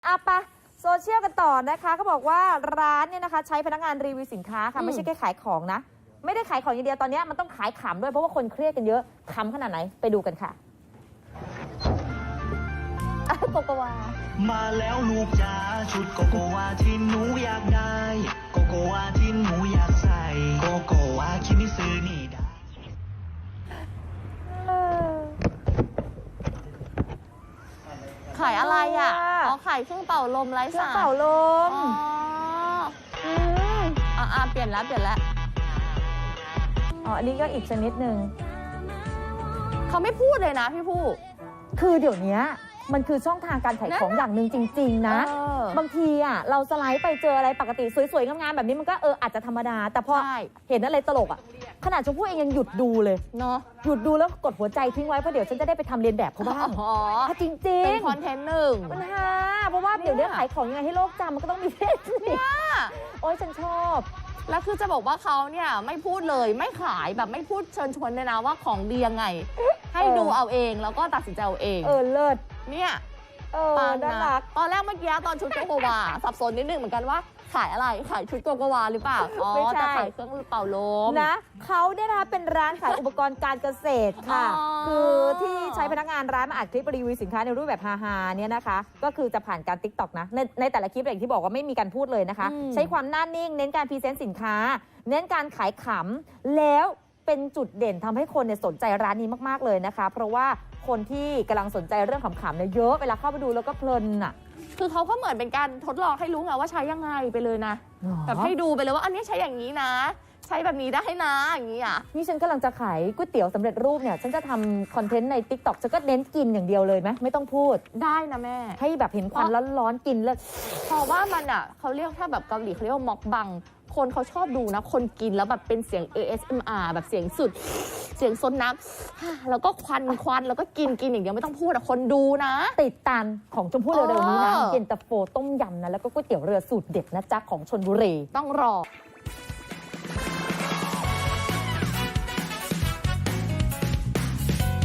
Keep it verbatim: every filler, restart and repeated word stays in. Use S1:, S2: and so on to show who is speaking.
S1: อ่ะปะโซเชียลกันต่อนะคะเขาบอกว่าร้านเนี่ยนะคะใช้พนักงานรีวิวสินค้าค่ะไม่ใช่แค่ขายของนะไม่ได้ขายของอย่างเดียวตอนนี้มันต้องขายขำด้วยเพราะว่าคนเครียดกันเยอะขำขนาดไหนไปดูกันค่ะโกโกวา
S2: มาแล้วลูกจ๋าชุดโกโกวาที่หนูอยากได้โกโกวาที่หนูอยากใส่โกโกวาคิมิซึนี่ได้
S3: ขายอะไรอ่ะอ๋อขายเครื่องเป่าลมไร้สาย
S1: เครื่องเป่าลม
S3: อ๋ออืมอ่ะอ่ะเปลี่ยนแล้วเปลี่ยนแล้ว
S1: อ๋ออันนี้ก็อีกชนิดหนึ่ง
S3: เขาไม่พูดเลยนะพี่ผู้
S1: คือเดี๋ยวนี้มันคือช่องทางการขายของอย่างหนึ่งจริงๆนะบางทีอ่ะเราสไลด์ไปเจออะไรปกติสวยๆงามๆแบบนี้มันก็เอออาจจะธรรมดาแต่พอเห็นอะไรตลกอ่ะขนาดชมพู่เองยังหยุดดูเลย
S3: เนาะ
S1: หยุดดูแล้วกดหัวใจทิ้งไว้เพราะเดี๋ยวฉันจะได้ไปทำเรียนแบบเขาบ้าง
S3: อ๋อ
S1: จริงๆ
S3: เป็นคอนเทนต์หนึ่ง
S1: ปัญหาเพราะว่าเดี๋ยวนี้ขายของยังไงให้โลกจำมันก็ต้องมีเทคนิคโอ้ยฉันชอบ
S3: แล้วคือจะบอกว่าเขาเนี่ยไม่พูดเลยไม่ขายแบบไม่พูดเชิญชวนเลยนะว่าของดียังไงให้ดูเอาเองแล้วก็ตัดสินใจเอาเอง
S1: เออเลิศ
S3: เนี่ย
S1: เออน่ารัก
S3: ตอนแรกเมื่อกี้ตอนชุดโกโกวาสับสนนิดนึงเหมือนกันว่าขายอะไรขายชุดโกโกวาหรือเปล่าอ๋อจะขายเครื่องเป่าลม
S1: นะเขาเนี่ยนะคะเป็นร้านขายอุปกรณ์การเกษตรค่ะคือที่ใช้พนักงานร้านมาอัดคลิปรีวิวสินค้าในรูปแบบฮาๆเนี่ยนะคะก็คือจะผ่านการ ติ๊กต็อก นะในในแต่ละคลิปอย่างที่บอกว่าไม่มีการพูดเลยนะคะใช้ความน่านิ่งเน้นการพรีเซนต์สินค้าเน้นการขายขำแล้วเป็นจุดเด่นทำให้คนเนี่ยสนใจร้านนี้มากๆเลยนะคะเพราะว่าคนที่กำลังสนใจเรื่องขำๆเนี่ยเยอะเวลาเข้าไปดูแล้วก็เพลินอ่ะ
S3: คือเขาก็เหมือนเป็นการทดลองให้รู้ไงว่าใช้ยังไงไปเลยนะแบบให้ดูไปเลยว่าอันนี้ใช้อย่างนี้นะใช้แบบนี้ได้นะอย่างนี้อ่ะ
S1: นี่ฉันกำลังจะขายก๋วยเตี๋ยวสำเร็จรูปเนี่ยฉันจะทำคอนเทนต์ใน ติ๊กต็อก ฉันก็เน้นกินอย่างเดียวเลยไหมไม่ต้องพูด
S3: ได้นะแม่
S1: ให้แบบเห็นควันร้อนๆกินแล้ว
S3: เพราะว่ามันอ่ะเขาเรียกถ้าแบบเกาหลีเขาเรียกว่าม็อกบังคนเขาชอบดูนะคนกินแล้วแบบเป็นเสียง เอ เอส เอ็ม อาร์ แบบเสียงสุดเสียงซนน้ำแล้วก็ควันควันแล้วก็กินกินอย่างเดียวไม่ต้องพูดอะคนดูนะ
S1: ติดตามของชมพู่เร็วๆนี้นะเย็นตาโฟต้มยำนะแล้วก็ก๋วยเตี๋ยวเรือสูตรเด็ดนะจ๊ะของชลบุรี
S3: ต้องรอ